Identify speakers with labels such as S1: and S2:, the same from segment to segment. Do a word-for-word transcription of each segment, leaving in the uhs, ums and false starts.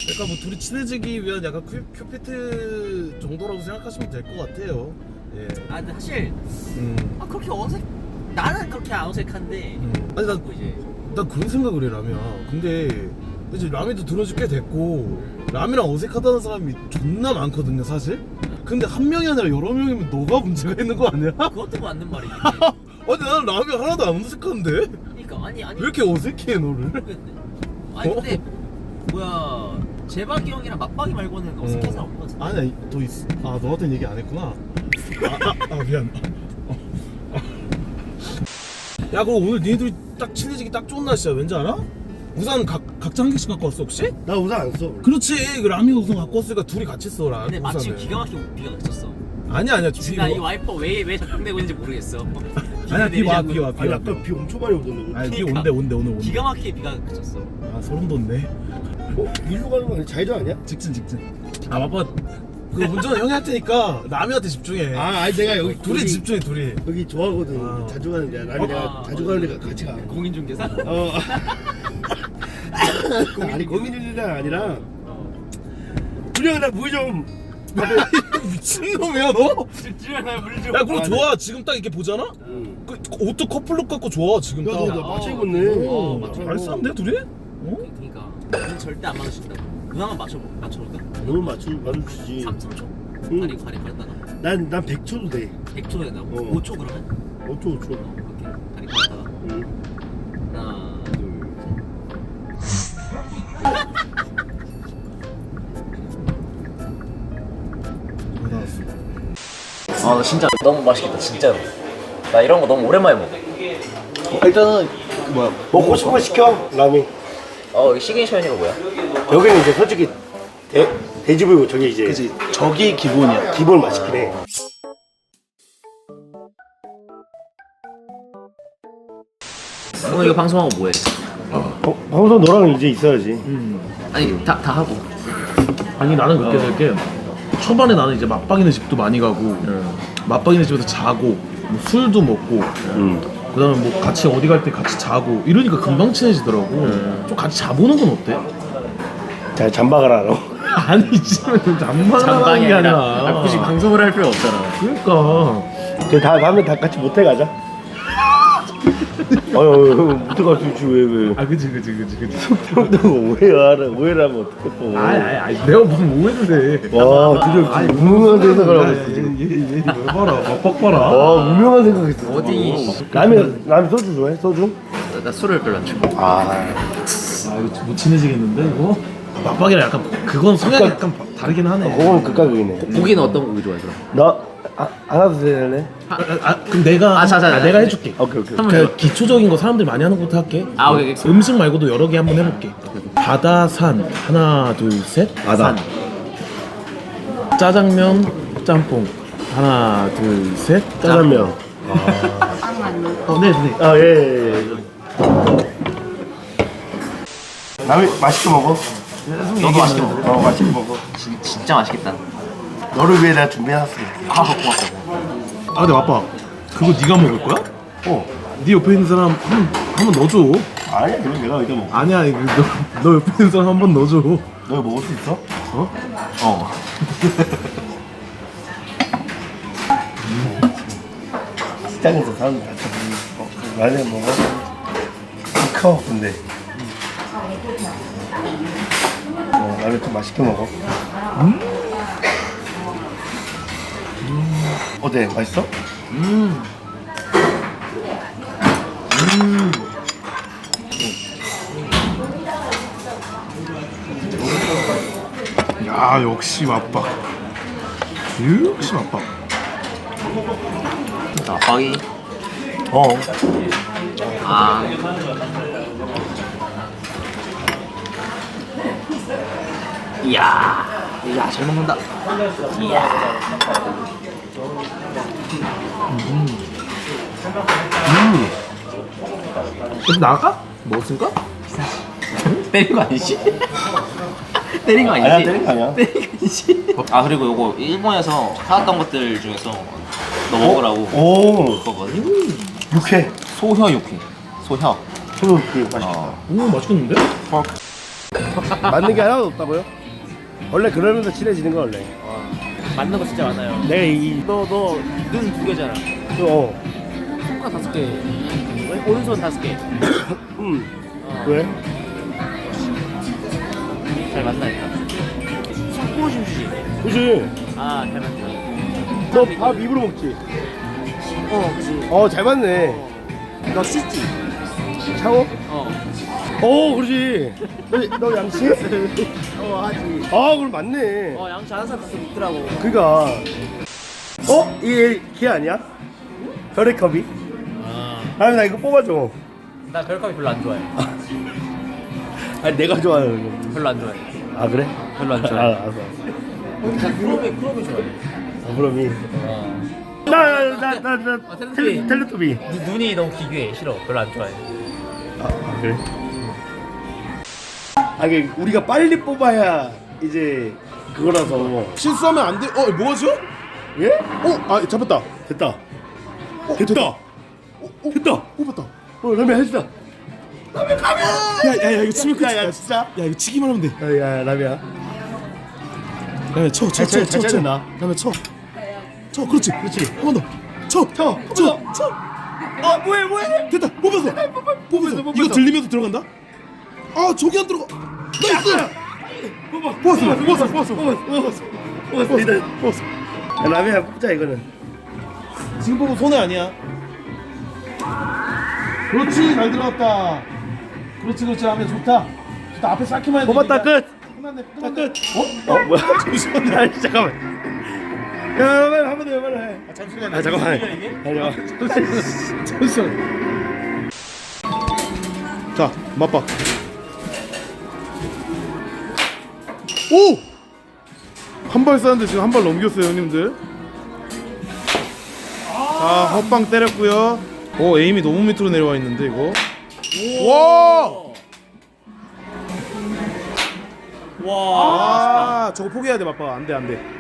S1: 그러니까 뭐 둘이 친해지기 위한 약간 큐, 큐피트 정도라고 생각하시면 될 것 같아요. 예.
S2: 아 근데 사실
S1: 음.
S2: 아 그렇게 어색 나는 그렇게 안 어색한데
S1: 음. 아니 나,
S2: 이제
S1: 난 그런 생각을 해 라미야. 근데 이제 라미도 들은 지 꽤 됐고 라미랑 어색하다는 사람이 존나 많거든요 사실. 근데 한 명이 아니라 여러 명이면 너가 문제가 있는 거 아니야?
S2: 그것도 맞는 말이지.
S1: 아니 나는 라미 하나도 안 어색한데?
S2: 그러니까 아니 아니
S1: 왜 이렇게 어색해 너를?
S2: 모르겠네. 아니 근데 뭐야 재박이 형이랑 맞박이 말고는 어색한 사람 없는 거 같은데.
S1: 아니 아니 더 있어. 아 너한테는 얘기 안 했구나. 아, 아, 아 미안. 어. 야 그럼 오늘 니네들이 딱 친해지기 딱 좋은 날씨야. 왠지 알아? 우산 각, 각자 한 개씩 갖고 왔어 혹시?
S3: 나 우산 안 써.
S1: 그렇지. 그 라미가 우산 갖고 왔으니까 둘이 같이 써라.
S2: 근데 마침
S1: 우산을.
S2: 기가 막히게 비가 그쳤어.
S1: 아니야 아니야.
S2: 지금 이 와이퍼 왜 왜 작동되고 있는지 모르겠어.
S1: 아니야 비 와 비 와 비
S3: 아니
S1: 와.
S3: 아까 비 엄청 많이 오던데.
S1: 아니 비
S2: 그러니까.
S1: 온대 온대 오늘 온대.
S2: 기가 막히게 비가 그쳤어.
S1: 아 소름 돋네.
S3: 어? 일로 가는 거 아니야? 좌회전 아니야?
S1: 직진 직진. 아 아빠 그 운전은 형이 할 테니까 라미한테 집중해.
S3: 아 아니 내가 여기
S1: 둘이
S3: 여기,
S1: 집중해 둘이.
S3: 여기 좋아하거든.
S1: 아.
S3: 자주 가는 데야. 나는
S2: 아,
S3: 내가 자주 가는 데가 같이 가.
S2: 공인중개사?
S3: 어. 아니 고민일이가 아니라 준영아 나 물 좀.
S1: 미친놈이야 너?
S2: 주연아 물 좀.
S1: 야 그럼 좋아 지금 딱 이렇게 보잖아?
S3: 응.
S1: 그 옷도 커플룩 갖고 좋아 지금 딱.
S3: 야너 나 맞춰 입었네.
S2: 어,
S1: 오,
S2: 맞춰.
S1: 잘 싸는데 둘이? 어?
S2: 그러니까 우린 절대 안 맞으신다고. 누나만 맞춰 맞춰볼까?
S3: 너는 맞추 맞추지.
S2: 삼 초?
S3: 응.
S2: 가리 가리 가렸다가
S3: 난난 백 초도 돼.
S2: 백 초 된다고?
S3: 어.
S2: 오 초 그러면?
S3: 어쩌 어쩌.
S2: 어, 오케이 가리 가렸다가
S3: 응.
S2: 하나 둘 셋. 아 진짜 너무 맛있겠다 진짜로. 나 이런 거 너무 오랜만에 먹어.
S3: 일단은 뭐야 먹고 싶은 거 시켜 라면.
S2: 어 이 시그니처 뭐야?
S3: 여기는 이제 솔직히 대 돼지불고 저기 이제
S1: 그치 저기 기본이야.
S3: 기본 맛있긴 해.
S2: 오늘 이거 방송하고 뭐해?
S3: 어, 방송 너랑 이제 있어야지.
S2: 아니 다 다 하고.
S1: 아니 나는 그렇게 될게 초반에 나는 이제 맞박이네 집도 많이 가고 맞박이네 집에서 자고 뭐 술도 먹고
S3: 응.
S1: 그 다음에 뭐 같이 어디 갈 때 같이 자고 이러니까 금방 친해지더라고. 좀 같이 자보는 건 어때?
S3: 자 잠박을 하러.
S1: 아니 지금 잠만하는 게 아니라
S2: 굳이 방송을 할 필요 없잖아.
S1: 그러니까
S3: 그 다 다음에 다 같이 모텔 가자. 어휴 모텔 갈 수 있지 왜 왜?
S1: 아 그치 그치 그치 그치
S3: 형도 오해하라 오해를 하면 어떡해 또.
S1: 아니 아니 아니 내가 무슨 오해를 해.
S3: 와 드디어
S1: 아니,
S3: 무명한 생각을 하고
S1: 야,
S3: 있어 지금.
S1: 얘얘얘 봐라 막박 봐라.
S3: 와 무명한 생각했어.
S2: 어디?
S3: 라면 라면 소주 좋아해? 소주?
S2: 나, 나 술을 별로 안 좋아해.
S3: 아
S1: 아 이거 못 친해지겠는데 이거? 맞박이랑 약간 그건 성향이 약간 다르긴 하네.
S3: 그건 극과 극이네.
S2: 고기는 어떤 고기 좋아해 그럼?
S3: 너 아, 하나 더 해야
S1: 아, 아, 아 그럼 내가
S2: 아, 자, 자,
S1: 아,
S2: 자,
S1: 내가
S2: 자,
S1: 해줄게.
S3: 오케이 오케이.
S2: 한번
S1: 그
S2: 해봐.
S1: 기초적인 거 사람들이 많이 하는 것부터 할게.
S2: 아, 오케이, 오케이.
S1: 음식 말고도 여러 개 한번 해볼게. 바다 산 하나 둘 셋.
S3: 바다.
S1: 짜장면 짬뽕 하나 둘 셋.
S3: 짜장면.
S1: 어, 네, 네.
S3: 아 예. 예, 예. 라면 맛있게 먹어.
S2: 너도 맛있게 먹어.
S3: 어 맛있게 먹어.
S2: 진, 진짜 맛있겠다.
S3: 너를 위해 내가 준비해놨어.
S2: 아 고맙다.
S1: 아 근데 아빠 그거 네가 먹을 거야?
S3: 어.
S1: 네 옆에 있는 사람 한 번 넣어줘.
S3: 아니야 그럼 내가 여기다 먹어.
S1: 아니야 이거 너, 너 옆에 있는 사람 한 번 넣어줘.
S3: 너 이거 먹을 수 있어?
S1: 어?
S2: 어.
S3: 시장에서 사람들 다 쳐보니 어, 라면 먹어? 커 근데 어, 라면 좀 맛있게 먹어. 음? 어때? 맛있어?
S2: 음.
S1: 야 역시 맞박. 역시 맞박.
S2: 맞박이.
S3: 어.
S2: 아. 이야. 이야 잘 먹는다. 이야.
S1: 그럼 나가? 먹었을까?
S2: 때린 거 아니지? 때린 거
S3: 아니야
S2: 아니지?
S3: 때린 거 아니야.
S2: 때린 거 아니지? 아 그리고 요거 일본에서 사왔던 것들 중에서 너 먹으라고
S3: 오
S2: 그거거든.
S3: 육회.
S2: 소혀 육회. 소혀.
S3: 소금 그 맛있겠다.
S2: 어.
S1: 오 맛있겠는데?
S3: 맞는 게 하나도 없다고요? 원래 그러면서 친해지는 거 원래.
S2: 와, 맞는 거 진짜 많아요.
S3: 내가 이
S2: 너 너 눈 두 개잖아.
S3: 어.
S2: 손가락 다섯 개. 오른손 다섯 개.
S3: 음.
S2: 어.
S3: 왜?
S2: 잘 맞나니까. 손꼽아 춤추지.
S3: 그지.
S2: 아, 잘 맞다.
S3: 너 밥 입으로 먹지.
S2: 어, 그치.
S3: 어, 잘 맞네.
S2: 너 씻지?
S3: 샤워?
S2: 어.
S3: 어, 그러지. 너, 너 양치?
S2: 어, 하지.
S3: 아, 그럼 맞네.
S2: 어, 양치 하는 사람 가끔 있더라고.
S3: 그니까. 어? 이게 걔 아니야? 별의 컵이?
S2: 아.
S3: 아니, 나 이거 뽑아줘.
S2: 나 별컵이 별로 안 좋아해.
S3: 아니, 내가 좋아하는 거.
S2: 별로 안 좋아해.
S3: 아, 그래?
S2: 별로 안
S3: 아,
S2: 좋아해.
S3: 알았어.
S2: 나 크롬이, 크롬이 좋아해.
S3: 아, 그럼이.
S2: 어.
S3: 나, 나, 나, 나,
S2: 아, 텔레토비.
S3: 텔레, 텔레토비.
S2: 눈- 눈이 너무 기괴해. 싫어. 별로 안 좋아해.
S3: 아, 아, 그래? 아, 이게 우리가 빨리 뽑아야 이제 그거라서.
S1: 실수하면 안 돼. 어, 뭐하죠?
S3: 예?
S1: 어, 아, 잡았다.
S3: 됐다.
S1: 어,
S3: 됐다.
S1: 어, 어,
S3: 됐다.
S1: 뽑았다.
S3: 어, 라면 했다.
S1: 야, 야, 야, 이거 치면 끝이야.
S3: 야, 야, 진짜?
S1: 야, 이거 치기만 하면 돼.
S3: 야, 야, 라면야.
S1: 야, 쳐, 쳐,
S3: 잘
S1: 쳐,
S3: 쳐,
S1: 쳐,
S3: 잘
S1: 쳐.
S3: 찾는다.
S1: 라면 쳐. 쳐, 그렇지,
S3: 그렇지.
S1: 한 번 더. 쳐,
S3: 쳐,
S1: 쳐, 쳐.
S3: 어, 뭐해, 뭐해?
S1: 됐다. 뽑았어. 뽑았어.
S3: 뽑았어.
S1: 이거 들리면서 들어간다. 아, 저기 안 들어가. 나이스.
S3: 뽑아,
S1: 뽑았어, 뽑았어, 뽑았어,
S3: 뽑았어, 뽑았어. 뽑았어, 일단.
S1: 뽑았어.
S3: 야, 라면야, 뽑자, 이거는.
S1: 지금 보면 손해 아니야. 그렇지, 잘 들어갔다. 그렇지, 그렇지, 하면 좋다. 좋다. 앞에 쌓기만 해도
S3: 뽑았다,
S1: 이기니까.
S3: 끝.
S1: 끝났네,
S3: 다
S1: 끝났네.
S3: 끝. 어? 어, 뭐야? 잠시만. 아니, 잠깐만. 야, 빨리 한번 더 해, 빨리 해.
S1: 아, 잠시만.
S3: 아, 잠깐만.
S2: 이게?
S3: 아니야.
S1: 잠시만. 자, 맛봐. 오! 한 발 쐈는데 지금 한 발 넘겼어요, 형님들. 자, 헛방 때렸고요. 오, 에임이 너무 밑으로 내려와 있는데 이거. 와!
S2: 와.
S1: 아, 저거 포기해야 돼, 맛봐. 안 돼, 안 돼.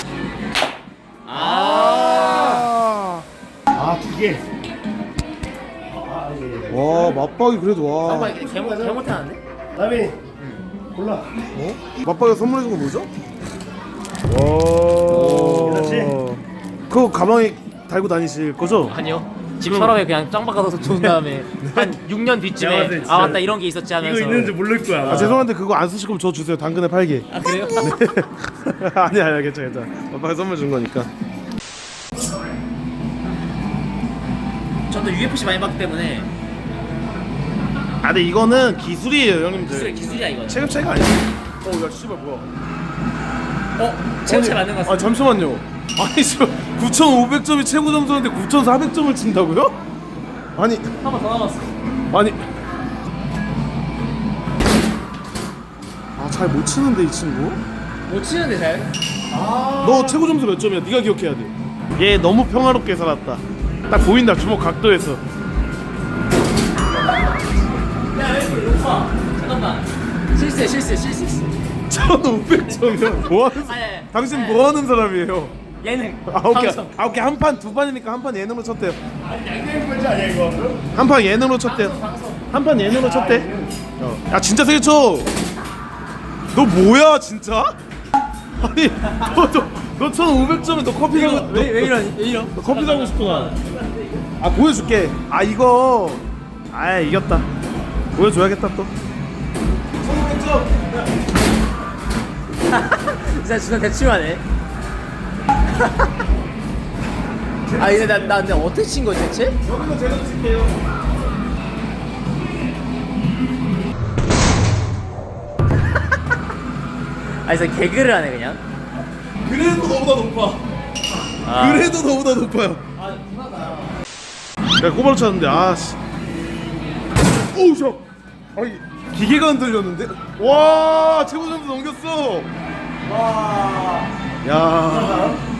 S2: 아.
S1: 아,
S3: 아, 두 개.
S1: 와, 맛박이 그래도 와.
S2: 잠깐만, 이게 개못 개못하는데?
S3: 라미. 골라.
S1: 어? 맛박이가 선물해준 거 뭐죠? 와.
S3: 괜찮지?
S1: 그거 가방에 달고 다니실 거죠?
S2: 아니요. 집 서랍에 그냥 짱 박아서 둔 다음에 한 육 년
S3: 내가 봤을
S2: 뒤쯤에
S3: 때 진짜
S2: 아 맞다 이런 게 있었지 하면서.
S3: 이거 있는지 모를 거야.
S1: 아, 죄송한데 그거 안 쓰실 거면 저 주세요. 당근에 팔게.
S2: 아 그래요?
S1: 아니야, 아니야, 괜찮아, 괜찮아. 맛박이 선물 준 거니까.
S2: 저도 유에프씨 많이 봤기 때문에
S1: 아, 근데 이거는 기술이에요, 형님들.
S2: 기술 기술이야 이거.
S1: 체급 차이가 아니야. 어, 야, 씨발 뭐야?
S2: 어 체육 차 맞는 것
S1: 아,
S2: 같습니다.
S1: 잠시만요. 아니, 저 구천오백 점이 최고 점수인데 구천사백 점을 친다고요? 아니,
S2: 한 번 더 남았어.
S1: 아니. 아, 잘 못 치는데 이 친구.
S2: 못 치는데 잘?
S1: 너 최고 점수 몇 점이야? 네가 기억해야 돼. 얘 너무 평화롭게 살았다. 딱 보인다, 주먹 각도에서.
S2: 야 왜 이렇게 높아? 잠깐만. 실수해 실수해 실수했어.
S1: 천오백 점이야. 뭐 하는?
S2: 아니, 아니,
S1: 당신
S2: 아니.
S1: 뭐 하는 사람이에요?
S2: 예능.
S1: 아, 오케이.
S2: 방송.
S1: 아, 오케이. 한 판 두 판이니까 한 판 예능으로 쳤대요.
S3: 양념 번지 아니야 이거?
S1: 한 판 예능으로 쳤대요. 한 판 예능으로 쳤대. 어. 야, 진짜 세게 쳐. 너 뭐야, 진짜? 아니, 너, 너, 너 천오백 점에 너 커피 사고 너,
S2: 왜, 왜 이러니? 왜 이러?
S1: 너 커피 사고 싶구나. 아, 보여줄게. 아, 이거. 아, 이겼다. 보여줘야겠다 또. 천오백 점.
S2: 진짜 진짜 대충하네. 아 근데 나, 나 근데 어떻게 친 거지 대체?
S1: 여기서 제대로 칠게요.
S2: 아 진짜 개그를 하네 그냥.
S1: 그래도 너보다 높아.
S2: 아.
S1: 그래도 너보다 높아요.
S2: 아 누나가.
S1: 내가 꼬바로 쳤는데, 아씨. 오우, 저. 아니, 기계가 흔들렸는데? 와, 최고 점수 넘겼어.
S2: 와.
S1: 야.